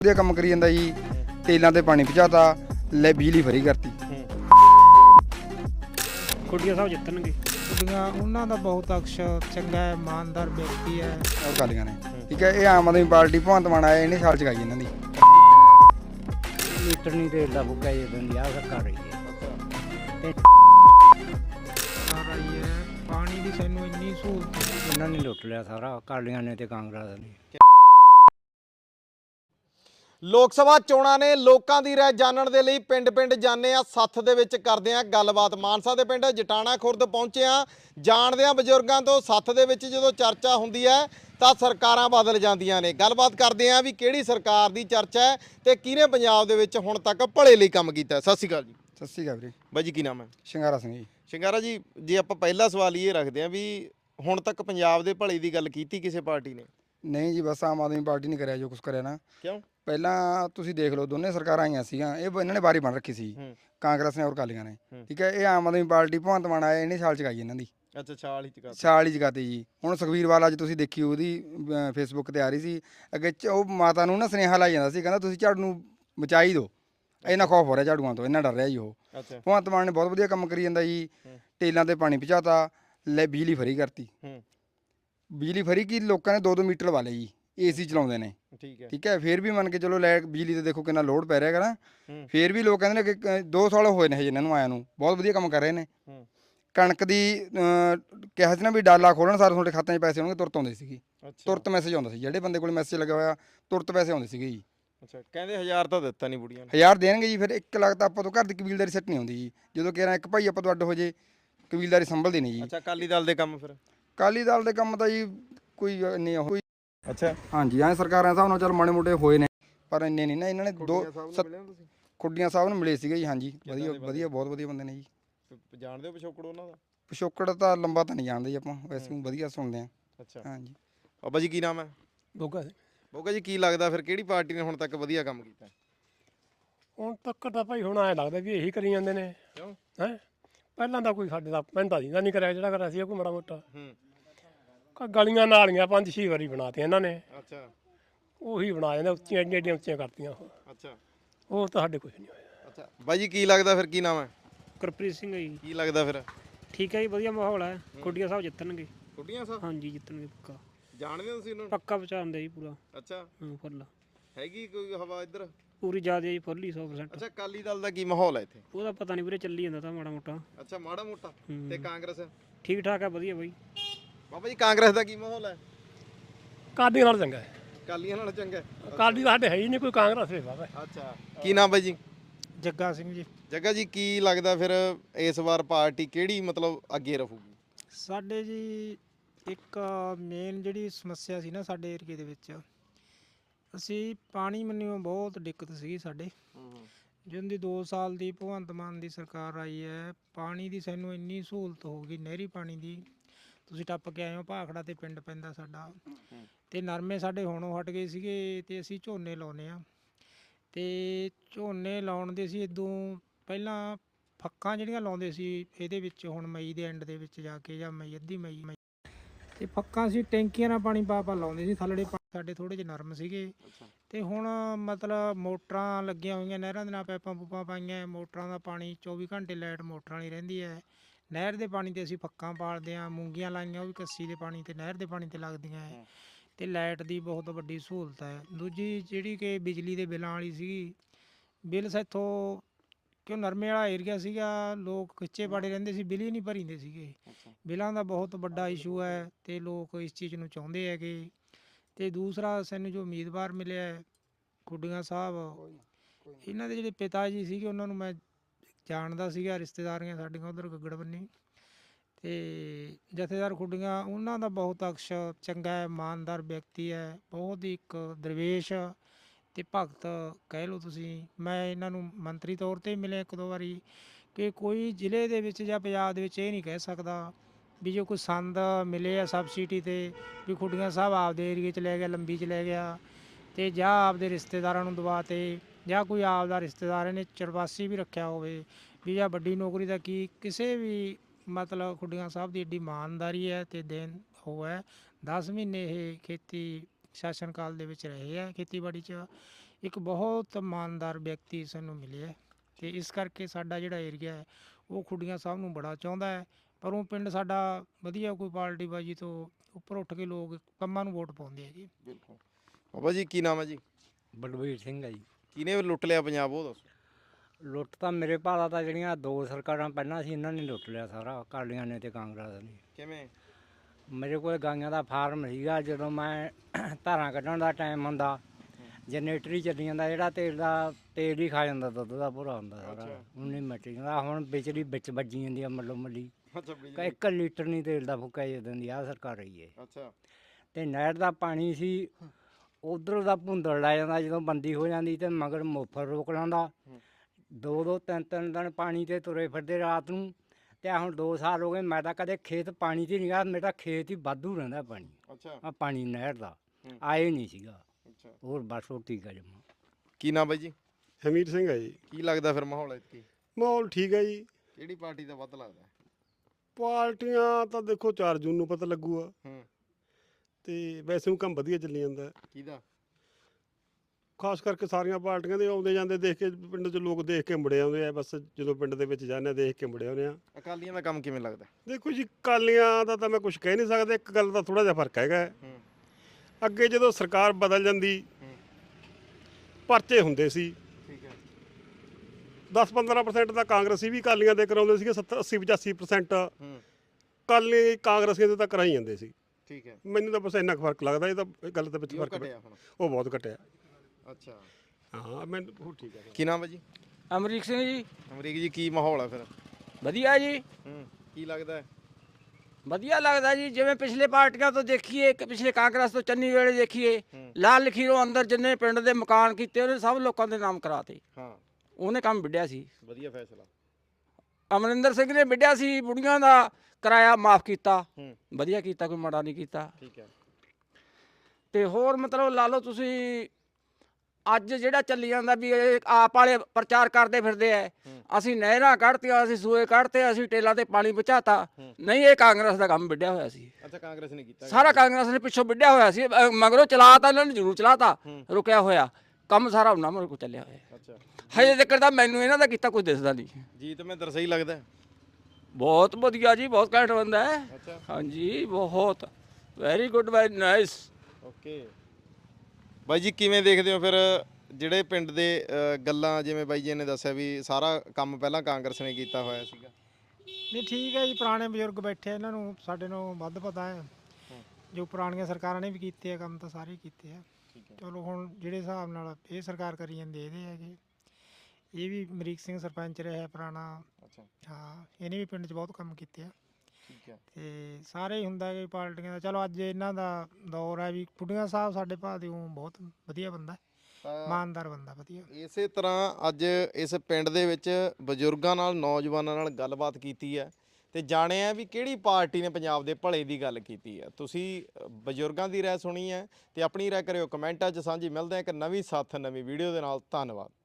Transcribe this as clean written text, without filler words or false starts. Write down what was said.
ਵਧੀਆ ਕੰਮ ਕਰੀ ਜਾਂਦਾ ਜੀ। ਟੇਲਾਂ ਤੇ ਪਾਣੀ ਪਹੁੰਚਾਤਾ, ਲੈ ਬਿਜਲੀ ਫਰੀ ਕਰਤੀ। ਖੁੱਡੀਆਂ ਸਾਹਿਬ ਜਿੱਤਣਗੇ। ਖੁੱਡੀਆਂ ਉਹਨਾਂ ਦਾ ਬਹੁਤ ਅਕਸ਼ ਚੰਗਾ ਹੈ, ਇਮਾਨਦਾਰ ਵਿਅਕਤੀ ਹੈ। ਉਹ ਕਾਲੀਆਂ ਨੇ ਠੀਕ ਹੈ। ਇਹ ਆਮ ਆਦਮੀ ਪਾਰਟੀ ਭਗਵੰਤ ਮਾਨ ਆਇਆ, ਇਹਨੇ ਸਾਲ ਚਕਾਈ ਇਹਨਾਂ ਦੀ। ਲੀਟਰ ਨਹੀਂ ਤੇਲ ਦਾ ਬੁੱਕਾ ਜੇ ਦਿੰਦੀ ਆ ਸਰਕਾਰ ਰਹੀ ਹੈ। ਆ ਰਹੀ ਹੈ ਪਾਣੀ ਦੀ ਸਾਨੂੰ ਇੰਨੀ ਸਹੂਲਤ ਇਹਨਾਂ ਨੇ ਲੁੱਟ ਲਿਆ ਸਾਰਾ, ਅਕਾਲੀਆਂ ਨੇ ਤੇ ਕਾਂਗਰਸ ਨੇ। ਲੋਕ ਸਭਾ ਚੋਣਾਂ ਨੇ ਲੋਕਾਂ ਦੀ ਰਾਏ ਜਾਣਨ ਦੇ ਲਈ ਪਿੰਡ-ਪਿੰਡ ਜਾਂਦੇ ਆ, ਸੱਥ ਦੇ ਵਿੱਚ ਕਰਦੇ ਆ ਗੱਲਬਾਤ। ਮਾਨਸਾ ਦੇ ਪਿੰਡ ਜਟਾਣਾ ਖੁਰਦ ਪਹੁੰਚੇ ਆ, ਜਾਣਦੇ ਆ ਬਜ਼ੁਰਗਾਂ ਤੋਂ। ਸੱਥ ਦੇ ਵਿੱਚ ਜਦੋਂ ਚਰਚਾ ਹੁੰਦੀ ਹੈ ਤਾਂ ਸਰਕਾਰਾਂ ਬਦਲ ਜਾਂਦੀਆਂ ਨੇ। ਗੱਲਬਾਤ ਕਰਦੇ ਆ ਵੀ ਕਿਹੜੀ ਸਰਕਾਰ ਦੀ ਚਰਚਾ ਹੈ ਤੇ ਕਿਹਨੇ ਪੰਜਾਬ ਦੇ ਵਿੱਚ ਹੁਣ ਤੱਕ ਭਲੇ ਲਈ ਕੰਮ ਕੀਤਾ। ਸਤਿ ਸ਼੍ਰੀ ਅਕਾਲ ਜੀ। ਸਤਿ ਸ਼੍ਰੀ ਅਕਾਲ ਵੀਰੇ। ਬਾਈ ਜੀ ਕੀ ਨਾਮ ਹੈ? ਸ਼ਿੰਗਾਰਾ ਸਿੰਘ ਜੀ। ਸ਼ਿੰਗਾਰਾ ਜੀ, ਜੇ ਆਪਾਂ ਪਹਿਲਾ ਸਵਾਲ ਇਹ ਰੱਖਦੇ ਆ ਵੀ ਹੁਣ ਤੱਕ ਪੰਜਾਬ ਦੇ ਭਲੇ ਦੀ ਗੱਲ ਕੀਤੀ ਕਿਸੇ ਪਾਰਟੀ ਨੇ? ਨਹੀਂ ਜੀ, ਬਸ ਆਮ ਆਦਮੀ ਪਾਰਟੀ ਨੇ ਕਰਿਆ ਜੋ ਕੁਛ ਕਰਿਆ ਨਾ। ਕਿਉਂ? ਪਹਿਲਾਂ ਤੁਸੀਂ ਦੇਖ ਲਓ, ਦੋਨੇ ਸਰਕਾਰਾਂ ਆਈਆਂ ਸੀਗੀਆਂ, ਇਹ ਇਹਨਾਂ ਨੇ ਵਾਰੀ ਬਣ ਰੱਖੀ ਸੀ, ਕਾਂਗਰਸ ਨੇ ਔਰ ਅਕਾਲੀਆਂ ਨੇ। ਠੀਕ ਹੈ। ਇਹ ਆਮ ਆਦਮੀ ਪਾਰਟੀ ਭਗਵੰਤ ਮਾਨ ਆਇਆ, ਇਹਨੇ ਸਾਲ ਚਕਾਈ ਇਹਨਾਂ ਦੀ। ਅੱਛਾ, ਛਾਲ ਹੀ ਚਕਾ ਸਾਲ ਹੀ ਜਗਾਤੀ ਜੀ। ਹੁਣ ਸੁਖਬੀਰ ਬਾਦਲ ਅੱਜ ਤੁਸੀਂ ਦੇਖੀ, ਉਹਦੀ ਫੇਸਬੁੱਕ ਤੇ ਆ ਰਹੀ ਸੀ ਅੱਗੇ, ਉਹ ਮਾਤਾ ਨੂੰ ਨਾ ਸੁਨੇਹਾ ਲਾਈ ਜਾਂਦਾ ਸੀ, ਕਹਿੰਦਾ ਤੁਸੀਂ ਝਾੜੂ ਨੂੰ ਬਚਾ ਹੀ ਦਿਓ, ਇੰਨਾ ਖੌਫ ਹੋ ਰਿਹਾ ਝਾੜੂਆਂ ਤੋਂ, ਇੰਨਾ ਡਰ ਰਿਹਾ ਜੀ ਉਹ। ਭਗਵੰਤ ਮਾਨ ਨੇ ਬਹੁਤ ਵਧੀਆ ਕੰਮ ਕਰੀ ਜਾਂਦਾ ਜੀ। ਟੇਲਾਂ ਤੇ ਪਾਣੀ ਪਹੁੰਚਾਤਾ, ਲੈ ਬਿਜਲੀ ਫਰੀ ਕਰਤੀ। ਬਿਜਲੀ ਫਰੀ ਕੀ, ਲੋਕਾਂ ਨੇ 2-2 ਮੀਟਰ ਲਵਾ ਲਏ ਜੀ, ਏਸੀ ਚਲਾਉਂਦੇ ਨੇ। ਠੀਕ ਹੈ। ਫਿਰ ਵੀ ਮੰਨ ਕੇ ਚਲੋ, ਲਾਈਟ ਬਿਜਲੀ ਤੇ ਦੇਖੋ ਕਿੰਨਾ ਲੋਡ ਪੈ ਰਿਹਾ ਹੈਗਾ ਨਾ। ਫਿਰ ਵੀ ਲੋਕ ਕਹਿੰਦੇ ਨੇ ਕਿ 2 ਸਾਲ ਹੋਏ ਨੇ ਹਜੇ ਇਹਨਾਂ ਨੂੰ ਆਇਆ ਨੂੰ, ਬਹੁਤ ਵਧੀਆ ਕੰਮ ਕਰ ਰਹੇ ਨੇ। ਕਣਕ ਦੀ ਕਿਹਾ ਸੀ ਨਾ ਵੀ ਡਾਲਾ ਖੋਲਣ ਸਾਰੇ ਤੁਹਾਡੇ ਖਾਤਿਆਂ 'ਚ ਪੈਸੇ ਆਉਣਗੇ, ਤੁਰਤ ਆਉਂਦੇ ਸੀਗੇ। ਤੁਰਤ ਮੈਸੇਜ ਆਉਂਦਾ ਸੀ, ਜਿਹੜੇ ਬੰਦੇ ਕੋਲ ਮੈਸੇਜ ਲੱਗਿਆ ਹੋਇਆ ਤੁਰਤ ਪੈਸੇ ਆਉਂਦੇ ਸੀਗੇ ਜੀ। ਅੱਛਾ, ਕਹਿੰਦੇ 1000 ਤਾਂ ਦਿੱਤਾ ਨਹੀਂ ਬੁੜੀਆਂ ਨੇ। 1000 ਦੇਣਗੇ ਜੀ। ਫਿਰ 1 ਲੱਖ ਤਾਂ ਆਪਾਂ ਤੋਂ ਘਰ ਦੀ ਕਬੀਲਦਾਰੀ ਸੈੱਟ ਨਹੀਂ ਹੁੰਦੀ ਜੀ। ਜਦੋਂ ਕਿਹਾ ਇੱਕ ਭਾਈ ਆਪਾਂ ਤੋਂ ਅੱਡ ਹੋ ਜੇ, ਕਬੀਲਦਾਰੀ ਸੰਭਲਦੀ ਨਹੀਂ ਜੀ। ਅੱਛਾ, ਅਕਾਲੀ ਦਲ ਦੇ ਕੰਮ ਫਿਰ? ਅਕਾਲੀ ਦਲ ਦੇ ਕੰਮ ਤਾਂ ਜੀ ਕੋਈ ਨਹੀਂ ਹੋਈ। ਅੱਛਾ, ਹਾਂਜੀ, ਐਂ ਸਰਕਾਰਾਂ ਹਿਸਾਬ ਨਾਲ ਚੱਲ ਮਾੜੇ ਮੋਟੇ ਹੋਏ ਨੇ, ਪਰ ਇੰਨੇ ਨਹੀਂ ਨਾ। ਇਹਨਾਂ ਨੇ ਖੁੱਡੀਆਂ ਸਾਹਿਬ ਨੂੰ ਮਿਲੇ ਸੀਗੇ ਜੀ। ਹਾਂਜੀ, ਵਧੀਆ ਵਧੀਆ, ਬਹੁਤ ਵਧੀਆ ਬੰਦੇ ਨੇ ਜੀ। ਜਾਣਦੇ ਹੋ ਪਿਛੋਕੜ ਉਹਨਾਂ ਦਾ? ਪਿਛੋਕੜ ਤਾਂ ਲੰਬਾ ਤਾਂ ਨਹੀਂ ਜਾਣਦੇ ਜੀ ਆਪਾਂ, ਵੈਸੇ ਵਧੀਆ ਸੁਣਦੇ ਹਾਂ। ਅੱਛਾ ਹਾਂਜੀ। ਬਾਬਾ ਜੀ ਕੀ ਨਾਮ ਹੈ? ਬੋਗਾ ਬੋਗਾ ਜੀ, ਕੀ ਲੱਗਦਾ ਫਿਰ ਕਿਹੜੀ ਪਾਰਟੀ ਨੇ ਹੁਣ ਤੱਕ ਵਧੀਆ ਕੰਮ ਕੀਤਾ? ਹੁਣ ਤੱਕ ਤਾਂ ਭਾਈ ਹੁਣ ਐਂ ਲੱਗਦਾ ਵੀ ਇਹੀ ਕਰੀ ਜਾਂਦੇ ਨੇ। ਕਿਉਂ? ਹੈ ਪਹਿਲਾਂ ਤਾਂ ਕੋਈ ਸਾਡੇ ਦਾ ਪੈਂਦਾ ਨਹੀਂ ਕਰਿਆ, ਜਿਹੜਾ ਕਰਿਆ ਸੀ ਕੋਈ ਮਾੜਾ ਮੋਟਾ। ਗਲੀਆਂ ਨਾਲੀਆਂ 5-6 ਵਾਰੀ ਬਣਾਤੀਆਂ ਇਹਨਾਂ ਨੇ। ਅੱਛਾ, ਉਹੀ ਬਣਾ ਜਾਂਦੇ, ਉੱਚੀਆਂ ਐਡੀਆਂ ਉੱਚੀਆਂ ਕਰਤੀਆਂ ਉਹ। ਅੱਛਾ, ਹੋਰ ਤਾਂ ਸਾਡੇ ਕੁਝ ਨਹੀਂ ਹੋਇਆ। ਅੱਛਾ ਬਾਈ ਜੀ, ਕੀ ਲੱਗਦਾ ਫਿਰ ਕੀ ਨਾਮ ਹੈ? ਗੁਰਪ੍ਰੀਤ ਸਿੰਘ ਜੀ। ਕੀ ਲੱਗਦਾ ਫਿਰ? ਠੀਕ ਹੈ ਜੀ, ਵਧੀਆ ਮਾਹੌਲ ਹੈ। ਖੁੱਡੀਆਂ ਸਾਹਿਬ ਜਿੱਤਣਗੇ। ਖੁੱਡੀਆਂ ਸਾਹਿਬ? ਹਾਂਜੀ, ਜਿੱਤਣਗੇ ਪੱਕਾ। ਜਾਣਦੇ ਹੋ ਤੁਸੀਂ ਉਹਨਾਂ ਨੂੰ? ਪੱਕਾ ਪਹੁੰਚਾਉਂਦੇ ਜੀ ਪੂਰਾ। ਅੱਛਾ, ਫੁੱਲ ਹੈਗੀ ਕੋਈ ਹਵਾ ਇੱਧਰ? ਪੂਰੀ ਜ਼ਿਆਦਾ ਜੀ, ਫੁੱਲ ਹੀ 100%। ਅੱਛਾ, ਅਕਾਲੀ ਦਲ ਦਾ ਕੀ ਮਾਹੌਲ ਹੈ ਇੱਥੇ? ਉਹਦਾ ਪਤਾ ਨਹੀਂ ਵੀਰੇ, ਚੱਲੀ ਜਾਂਦਾ ਤਾਂ ਮਾੜਾ ਮੋਟਾ। ਅੱਛਾ, ਮਾੜਾ ਮੋਟਾ। ਤੇ ਕਾਂਗਰਸ? ਠੀਕ ਠਾਕ ਹੈ, ਵਧੀਆ ਬਾਈ। ਬਾਬਾ ਜੀ, ਕਾਂਗਰਸ ਦਾ ਕੀ ਮਾਹੌਲ ਹੈ? ਕਾਦੀਆਂ ਨਾਲ ਚੰਗਾ ਹੈ। ਅਕਾਲੀਆਂ ਨਾਲ ਚੰਗਾ ਹੈ? ਕਾਦੀ ਸਾਡੇ ਹੈ ਹੀ ਨਹੀਂ ਕੋਈ, ਕਾਂਗਰਸ ਦੇ ਬਾਬਾ। ਅੱਛਾ, ਕੀ ਨਾਮ ਬਾਈ ਜੀ? ਜੱਗਾ ਸਿੰਘ ਜੀ। ਜੱਗਾ ਜੀ, ਕੀ ਲੱਗਦਾ ਫਿਰ ਇਸ ਵਾਰ ਪਾਰਟੀ ਕਿਹੜੀ ਮਤਲਬ ਅੱਗੇ ਰਹੂਗੀ? ਸਾਡੇ ਜੀ ਇੱਕ ਮੇਨ ਜਿਹੜੀ ਸਮੱਸਿਆ ਸੀ ਨਾ ਸਾਡੇ ਏਰੀਏ ਦੇ ਵਿੱਚ, ਅਸੀਂ ਪਾਣੀ ਮੰਨਿਓ ਬਹੁਤ ਦਿੱਕਤ ਸੀਗੀ ਸਾਡੇ। ਜਦੋਂ ਦੀ 2 ਸਾਲ ਦੀ ਭਗਵੰਤ ਮਾਨ ਦੀ ਸਰਕਾਰ ਆਈ ਹੈ, ਪਾਣੀ ਦੀ ਸਾਨੂੰ ਇੰਨੀ ਸਹੂਲਤ ਹੋ ਗਈ, ਨਹਿਰੀ ਪਾਣੀ ਦੀ। ਤੁਸੀਂ ਟੱਪ ਕੇ ਆਏ ਹੋ, ਭਾਖੜਾ ਤੇ ਪਿੰਡ ਪੈਂਦਾ ਸਾਡਾ, ਤੇ ਨਰਮੇ ਸਾਡੇ ਹੋਣੋਂ ਹਟ ਗਏ ਸੀਗੇ, ਤੇ ਅਸੀਂ ਝੋਨੇ ਲਾਉਂਦੇ ਹਾਂ। ਤੇ ਝੋਨੇ ਲਾਉਣ ਦੇ ਸੀ ਇਦੋਂ ਪਹਿਲਾਂ ਫੱਕਾਂ ਜਿਹੜੀਆਂ ਲਾਉਂਦੇ ਸੀ ਇਹਦੇ ਵਿੱਚ, ਹੁਣ ਮਈ ਦੇ ਐਂਡ ਦੇ ਵਿੱਚ ਜਾ ਕੇ, ਜਾਂ ਅੱਧੀ ਮਈ ਤੇ ਫੱਕਾਂ ਸੀ ਟੈਂਕੀਆਂ ਨਾਲ ਪਾਣੀ ਪਾ ਲਾਉਂਦੇ ਸੀ। ਥੱਲੜੇ ਸਾਡੇ ਥੋੜ੍ਹੇ ਜਿਹੇ ਨਰਮ ਸੀਗੇ। ਤੇ ਹੁਣ ਮਤਲਬ ਮੋਟਰਾਂ ਲੱਗੀਆਂ ਹੋਈਆਂ, ਨਹਿਰਾਂ ਦੇ ਨਾਲ ਪੈਪਾਂ ਪੂਪਾਂ ਪਾਈਆਂ, ਮੋਟਰਾਂ ਦਾ ਪਾਣੀ 24 ਘੰਟੇ ਲਾਈਟ ਮੋਟਰਾਂ ਵਾਲੀ ਰਹਿੰਦੀ ਹੈ। ਨਹਿਰ ਦੇ ਪਾਣੀ 'ਤੇ ਅਸੀਂ ਫੱਕਾਂ ਪਾਲਦੇ ਹਾਂ, ਮੂੰਗੀਆਂ ਲਾਈਆਂ ਉਹ ਵੀ ਕੱਸੀ ਦੇ ਪਾਣੀ 'ਤੇ, ਨਹਿਰ ਦੇ ਪਾਣੀ 'ਤੇ ਲੱਗਦੀਆਂ ਹੈ। ਤੇ ਲਾਈਟ ਦੀ ਬਹੁਤ ਵੱਡੀ ਸਹੂਲਤ ਹੈ। ਦੂਜੀ ਜਿਹੜੀ ਕਿ ਬਿਜਲੀ ਦੇ ਬਿੱਲਾਂ ਵਾਲੀ ਸੀਗੀ, ਬਿੱਲ ਸਾਥੋਂ ਕਿਉਂ ਨਰਮੇ ਵਾਲਾ ਏਰੀਆ ਸੀਗਾ, ਲੋਕ ਕੱਚੇ ਪਾੜੇ ਰਹਿੰਦੇ ਸੀ, ਬਿੱਲ ਹੀ ਨਹੀਂ ਭਰੀਂਦੇ ਸੀਗੇ। ਬਿੱਲਾਂ ਦਾ ਬਹੁਤ ਵੱਡਾ ਇਸ਼ੂ ਹੈ, ਤੇ ਲੋਕ ਇਸ ਚੀਜ਼ ਨੂੰ ਚਾਹੁੰਦੇ ਹੈਗੇ। ਤੇ ਦੂਸਰਾ ਸਾਨੂੰ ਜੋ ਉਮੀਦਵਾਰ ਮਿਲਿਆ ਹੈ ਖੁੱਡੀਆਂ ਸਾਹਿਬ, ਇਹਨਾਂ ਦੇ ਜਿਹੜੇ ਪਿਤਾ ਜੀ ਸੀਗੇ ਉਹਨਾਂ ਨੂੰ ਮੈਂ ਜਾਣਦਾ ਸੀਗਾ, ਰਿਸ਼ਤੇਦਾਰੀਆਂ ਸਾਡੀਆਂ ਉੱਧਰ ਗੱਗੜ ਬੰਨੀ। ਤੇ ਜਥੇਦਾਰ ਖੁੱਡੀਆਂ, ਉਹਨਾਂ ਦਾ ਬਹੁਤ ਅਕਸ਼ ਚੰਗਾ ਹੈ, ਇਮਾਨਦਾਰ ਵਿਅਕਤੀ ਹੈ, ਬਹੁਤ ਹੀ ਇੱਕ ਦਰਵੇਸ਼ ਤੇ ਭਗਤ ਕਹਿ ਲਓ ਤੁਸੀਂ। ਮੈਂ ਇਹਨਾਂ ਨੂੰ ਮੰਤਰੀ ਤੌਰ 'ਤੇ ਮਿਲਿਆ 1-2 ਵਾਰੀ, ਕਿ ਕੋਈ ਜ਼ਿਲ੍ਹੇ ਦੇ ਵਿੱਚ ਜਾਂ ਪੰਜਾਬ ਦੇ ਵਿੱਚ ਇਹ ਨਹੀਂ ਕਹਿ ਸਕਦਾ ਵੀ ਜੋ ਕੋਈ ਸੰਦ ਮਿਲੇ ਆ ਸਬਸਿਡੀ 'ਤੇ ਵੀ ਖੁੱਡੀਆਂ ਸਾਹਿਬ ਆਪਦੇ ਏਰੀਏ 'ਚ ਲੈ ਗਿਆ, ਲੰਬੀ 'ਚ ਲੈ ਗਿਆ, ਤੇ ਜਾਂ ਆਪਦੇ ਰਿਸ਼ਤੇਦਾਰਾਂ ਨੂੰ ਦਵਾ ਤੇ, ਜਾਂ ਕੋਈ ਆਪਦਾ ਰਿਸ਼ਤੇਦਾਰ ਇਹਨੇ ਚਰਵਾਸੀ ਵੀ ਰੱਖਿਆ ਹੋਵੇ ਵੀ, ਜਾਂ ਵੱਡੀ ਨੌਕਰੀ ਦਾ ਕੀ, ਕਿਸੇ ਵੀ ਮਤਲਬ ਖੁੱਡੀਆਂ ਸਾਹਿਬ ਦੀ ਐਡੀ ਇਮਾਨਦਾਰੀ ਹੈ। ਤੇ ਦਿਨ ਉਹ ਹੈ 10 ਮਹੀਨੇ ਇਹ ਖੇਤੀ ਸ਼ਾਸਨ ਕਾਲ ਦੇ ਵਿੱਚ ਰਹੇ ਆ, ਖੇਤੀਬਾੜੀ 'ਚ ਇੱਕ ਬਹੁਤ ਇਮਾਨਦਾਰ ਵਿਅਕਤੀ ਸਾਨੂੰ ਮਿਲੇ ਹੈ ਤੇ ਇਸ ਕਰਕੇ ਸਾਡਾ ਜਿਹੜਾ ਏਰੀਆ ਹੈ ਉਹ ਖੁੱਡੀਆਂ ਸਾਹਿਬ ਨੂੰ ਬੜਾ ਚਾਹੁੰਦਾ ਹੈ। ਪਰ ਉਹ ਪਿੰਡ ਸਾਡਾ ਵਧੀਆ, ਕੋਈ ਪਾਰਟੀ ਬਾਜੀ ਤੋਂ ਉੱਪਰ ਉੱਠ ਕੇ ਲੋਕ ਕੰਮਾਂ ਨੂੰ ਵੋਟ ਪਾਉਂਦੇ ਆ ਜੀ। ਬਿਲਕੁਲ। ਬਾਬਾ ਜੀ ਕੀ ਨਾਮ ਹੈ ਜੀ? ਬਲਵੀਰ ਸਿੰਘ ਹੈ ਜੀ। ਕਿਹਨੇ ਲੁੱਟ ਲਿਆ ਪੰਜਾਬ ਉਹ ਦੱਸੋ। ਲੁੱਟ ਤਾਂ ਮੇਰੇ ਭਾਲਾ ਤਾਂ ਜਿਹੜੀਆਂ ਦੋ ਸਰਕਾਰਾਂ ਪਹਿਲਾਂ ਸੀ ਇਹਨਾਂ ਨੇ ਲੁੱਟ ਲਿਆ ਸਾਰਾ, ਅਕਾਲੀਆਂ ਨੇ ਤੇ ਕਾਂਗਰਸ ਨੇ। ਕਿਵੇਂ? ਮੇਰੇ ਕੋਲ ਗਾਈਆਂ ਦਾ ਫਾਰਮ ਸੀਗਾ, ਜਦੋਂ ਮੈਂ ਧਾਰਾਂ ਕੱਢਣ ਦਾ ਟਾਈਮ ਹੁੰਦਾ ਜਨਰੇਟਰ ਹੀ ਚੱਲੀ ਜਾਂਦਾ, ਜਿਹੜਾ ਤੇਲ ਹੀ ਖਾ ਜਾਂਦਾ, ਦੁੱਧ ਦਾ ਭੁਰਾ ਹੁੰਦਾ ਸਾਰਾ। ਹੁਣ ਨਹੀਂ ਮੱਟੀ ਜਾਂਦਾ, ਹੁਣ ਬਿਜਲੀ ਵਿੱਚ ਵੱਜੀ ਜਾਂਦੀ ਆ ਮੱਲੋ ਮੱਲੀ। ਅੱਛਾ 1 ਲੀਟਰ ਨਹੀਂ ਤੇਲ ਦਾ ਫੁੱਕਾ ਜਦੋਂ ਦੀ ਆਹ ਸਰਕਾਰ ਰਹੀ ਹੈ। ਅੱਛਾ। ਤੇ ਨਹਿਰ ਦਾ ਪਾਣੀ ਸੀ, ਉਧਰ ਦਾ ਭੁੰਦੜ ਲੈ ਜਾਂਦਾ ਜਦੋਂ ਬੰਦੀ ਹੋ ਜਾਂਦੀ, ਤੇ ਮਗਰ ਮੋਫਰ ਰੋਕ ਲਾਉਂਦਾ। 2-2 3-3 ਦਿਨ ਪਾਣੀ ਤੇ ਤੁਰੇ ਫਿਰਦੇ ਰਾਤ ਨੂੰ। ਤੇ ਆਹ ਹੁਣ 2 ਸਾਲ ਹੋ ਗਏ, ਮੈਂ ਤਾਂ ਕਦੇ ਖੇਤ ਪਾਣੀ 'ਚ ਨਹੀਂ ਗਿਆ, ਮੇਰਾ ਖੇਤ ਹੀ ਵਾਧੂ ਰਹਿੰਦਾ ਪਾਣੀ। ਅੱਛਾ। ਆ ਪਾਣੀ ਨਹਿਰ ਦਾ ਆਏ ਨਹੀਂ ਸੀਗਾ। ਅੱਛਾ। ਹੋਰ ਬਸ ਉਹ ਠੀਕ ਆ ਜਮਾ। ਕੀ ਨਾਮ ਬਾਈ ਜੀ? ਹਮੀਦ ਸਿੰਘ ਹੈ ਜੀ। ਕੀ ਲੱਗਦਾ ਫਿਰ ਮਾਹੌਲ ਇੱਥੇ? ਮਾਹੌਲ ਠੀਕ ਹੈ ਜੀ। ਕਿਹੜੀ ਪਾਰਟੀ ਦਾ ਵੱਧ ਲੱਗਦਾ? ਪਾਰਟੀਆਂ ਤਾਂ ਦੇਖੋ 4 ਜੂਨ ਨੂੰ ਪਤਾ ਲੱਗੂਗਾ। ਹੂੰ। ਤੇ ਵੈਸੇ ਵੀ ਕੰਮ ਵਧੀਆ ਚੱਲੀ ਜਾਂਦਾ। ਕਿਹਦਾ? ਖਾਸ ਕਰਕੇ ਸਾਰੀਆਂ ਪਾਰਟੀਆਂ ਦੇ ਆਉਂਦੇ ਜਾਂਦੇ ਦੇਖ ਕੇ, ਪਿੰਡ 'ਚ ਲੋਕ ਦੇਖ ਕੇ ਮੁੜੇ ਆਉਂਦੇ ਆ। ਬਸ ਜਦੋਂ ਪਿੰਡ ਦੇ ਵਿੱਚ ਜਾਂਦੇ ਦੇਖ ਕੇ ਮੁੜੇ ਆਉਂਦੇ ਆ। ਅਕਾਲੀਆਂ ਦਾ ਕੰਮ ਕਿਵੇਂ ਲੱਗਦਾ? ਦੇਖੋ ਜੀ, ਕਾਲੀਆਂ ਦਾ ਤਾਂ ਮੈਂ ਕੁਝ ਕਹਿ ਨਹੀਂ ਸਕਦਾ। ਇੱਕ ਗੱਲ ਦਾ ਥੋੜਾ ਜਿਹਾ ਫਰਕ ਹੈਗਾ। ਹੂੰ। ਅੱਗੇ ਜਦੋਂ ਸਰਕਾਰ ਬਦਲ ਜਾਂਦੀ, ਪਰਚੇ ਹੁੰਦੇ ਸੀ। ਠੀਕ ਹੈ। 10-15% ਤਾਂ ਕਾਂਗਰਸੀ ਵੀ ਕਾਲੀਆਂ ਦੇ ਕਰਾਉਂਦੇ ਸੀਗੇ, 70-80-85% ਹੂੰ। ਕਾਲੀ ਕਾਂਗਰਸੀਆਂ ਦੇ ਤਾਂ ਕਰਾਈ ਜਾਂਦੇ ਸੀ। ਠੀਕ ਹੈ। ਮੈਨੂੰ ਤਾਂ ਬਸ ਇੰਨਾ ਕੁ ਫਰਕ ਲੱਗਦਾ। ਇਹ ਤਾਂ ਇਹ ਗੱਲ ਦੇ ਵਿੱਚ ਉਹ ਫਰਕ ਘਟਿਆ ਹੁਣ। ਉਹ ਬਹੁਤ ਘਟਿਆ। ਅੱਛਾ। ਹਾਂ ਮੈਂ ਹੋਰ ਠੀਕ ਹੈ। ਕੀ ਨਾਮ ਹੈ ਜੀ? ਅਮਰੀਕ ਸਿੰਘ ਜੀ। ਅਮਰੀਕ ਜੀ ਕੀ ਮਾਹੌਲ ਹੈ ਫਿਰ? ਵਧੀਆ ਜੀ, ਹੂੰ। ਕੀ ਲੱਗਦਾ ਹੈ? ਵਧੀਆ ਲੱਗਦਾ ਜੀ। ਜਿਵੇਂ ਪਿਛਲੇ ਪਾਰਟੀਆਂ ਤੋਂ ਦੇਖੀਏ, ਪਿਛਲੇ ਕਾਂਗਰਸ ਤੋਂ ਚੰਨੀ ਵੇਲੇ ਦੇਖੀਏ, ਲਾਲ ਲਖੀਰੋਂ ਅੰਦਰ ਜਿੰਨੇ ਪਿੰਡ ਦੇ ਮਕਾਨ ਕੀਤੇ ਉਹਨੇ ਸਭ ਲੋਕਾਂ ਦੇ ਨਾਮ ਕਰਾਤੇ। ਹਾਂ। ਉਹਨੇ ਕੰਮ ਵਿੱਢਿਆ ਸੀ। ਵਧੀਆ ਫੈਸਲਾ। ਅਮਰਿੰਦਰ ਸਿੰਘ ਨੇ ਵਿੱਢਿਆ ਸੀ, ਬੁੜੀਆਂ ਦਾ ਕਿਰਾਇਆ ਮਾਫ ਕੀਤਾ। ਹੂੰ। ਵਧੀਆ ਕੀਤਾ, ਕੋਈ ਮਾੜਾ ਨਹੀਂ ਕੀਤਾ। ਠੀਕ ਹੈ। ਤੇ ਹੋਰ ਮਤਲਬ ਲਾ ਲਓ ਤੁਸੀਂ, ਅੱਜ ਜਿਹੜਾ ਚੱਲੀ ਜਾਂਦਾ ਵੀ ਇਹ ਆਪ ਵਾਲੇ ਪ੍ਰਚਾਰ ਕਰਦੇ ਫਿਰਦੇ ਐ, ਅਸੀਂ ਨਹਿਰਾਂ ਕੱਢਤੀਆਂ, ਅਸੀਂ ਸੂਏ ਕੱਢਤੇ, ਅਸੀਂ ਟੇਲਾਂ ਤੇ ਪਾਣੀ ਪਹੁੰਚਾਤਾ। ਨਹੀਂ, ਇਹ ਕਾਂਗਰਸ ਦਾ ਕੰਮ ਵਿੱਢਿਆ ਹੋਇਆ ਸੀ। ਅੱਛਾ, ਕਾਂਗਰਸ ਨੇ ਕੀਤਾ ਸਾਰਾ ਕਾਂਗਰਸ ਨੇ ਪਿੱਛੋਂ ਵਿੱਢਿਆ ਹੋਇਆ ਸੀ। ਮਗਰੋਂ ਚਲਾਤਾ ਇਹਨਾਂ ਨੇ, ਜ਼ਰੂਰ ਚਲਾਤਾ, ਰੁਕਿਆ ਹੋਇਆ ਕੰਮ ਸਾਰਾ ਉਹਨਾਂ ਮਰ ਕੋ ਚੱਲਿਆ ਹੋਇਆ। ਅੱਛਾ। ਹਜੇ ਤੱਕ ਤਾਂ ਮੈਨੂੰ ਇਹਨਾਂ ਦਾ ਕੀਤਾ ਕੁਝ ਦਿਸਦਾ ਨਹੀਂ। ਜੀਤ ਮੈਂ ਸਹੀ ਲੱਗਦਾ? ਬਹੁਤ ਵਧੀਆ ਜੀ, ਬਹੁਤ ਘੈਂਟ ਬੰਦਾ ਹੈ। ਅੱਛਾ। ਹਾਂਜੀ, ਬਹੁਤ very good, very nice. Okay bye ਜੀ, ਕਿਵੇਂ ਦੇਖਦੇ ਹੋ ਫਿਰ ਜਿਹੜੇ ਪਿੰਡ ਦੇ ਗੱਲਾਂ, ਜਿਵੇਂ ਬਾਈ ਜੀ ਨੇ ਦੱਸਿਆ ਵੀ ਸਾਰਾ ਕੰਮ ਪਹਿਲਾਂ ਕਾਂਗਰਸ ਨੇ ਕੀਤਾ ਹੋਇਆ ਸੀਗਾ? ਨਹੀਂ ਠੀਕ ਹੈ ਜੀ, ਪੁਰਾਣੇ ਬਜ਼ੁਰਗ ਬੈਠੇ, ਇਹਨਾਂ ਨੂੰ ਸਾਡੇ ਨੂੰ ਵੱਧ ਪਤਾ ਹੈ। ਜੋ ਪੁਰਾਣੀਆਂ ਸਰਕਾਰਾਂ ਨੇ ਵੀ ਕੀਤੇ ਆ ਕੰਮ, ਤਾਂ ਸਾਰੇ ਕੀਤੇ ਆ। ਚਲੋ ਹੁਣ ਜਿਹੜੇ ਹਿਸਾਬ ਨਾਲ ਇਹ ਸਰਕਾਰ ਕਰੀ ਜਾਂਦੀ ਇਹਦੇ ਹੈਗੇ। ਇਹ ਵੀ ਅਮਰੀਕ ਸਿੰਘ ਸਰਪੰਚ ਰਿਹਾ ਪੁਰਾਣਾ। ਅੱਛਾ। ਹਾਂ, ਇਹਨੇ ਵੀ ਪਿੰਡ 'ਚ ਬਹੁਤ ਕੰਮ ਕੀਤੇ ਆ। ਠੀਕ ਹੈ। ਤੇ ਸਾਰੇ ਹੀ ਹੁੰਦਾ ਕਿ ਪਾਰਟੀਆਂ ਦਾ, ਚਲੋ ਅੱਜ ਇਹਨਾਂ ਦਾ ਦੌਰ ਹੈ ਵੀ ਬੁੱਢੀਆਂ ਸਾਹਿਬ ਸਾਡੇ ਭਾਅ ਦੇ ਉਹ ਬਹੁਤ ਵਧੀਆ ਬੰਦਾ, ਇਮਾਨਦਾਰ ਬੰਦਾ, ਵਧੀਆ। ਇਸੇ ਤਰ੍ਹਾਂ ਅੱਜ ਇਸ ਪਿੰਡ ਦੇ ਵਿੱਚ ਬਜ਼ੁਰਗਾਂ ਨਾਲ, ਨੌਜਵਾਨਾਂ ਨਾਲ ਗੱਲਬਾਤ ਕੀਤੀ ਹੈ ਤੇ ਜਾਣਿਆ ਵੀ ਕਿਹੜੀ ਪਾਰਟੀ ਨੇ ਪੰਜਾਬ ਦੇ ਭਲੇ ਦੀ ਗੱਲ ਕੀਤੀ ਹੈ। ਤੁਸੀਂ ਬਜ਼ੁਰਗਾਂ ਦੀ ਰਾਏ ਸੁਣੀ ਹੈ ਤੇ ਆਪਣੀ ਰਾਏ ਕਰਿਓ ਕਮੈਂਟਾਂ 'ਚ ਸਾਂਝੀ। ਮਿਲਦੇ ਹਾਂ ਇੱਕ ਨਵੀਂ ਸਾਥ, ਨਵੀਂ ਵੀਡੀਓ ਦੇ ਨਾਲ। ਧੰਨਵਾਦ।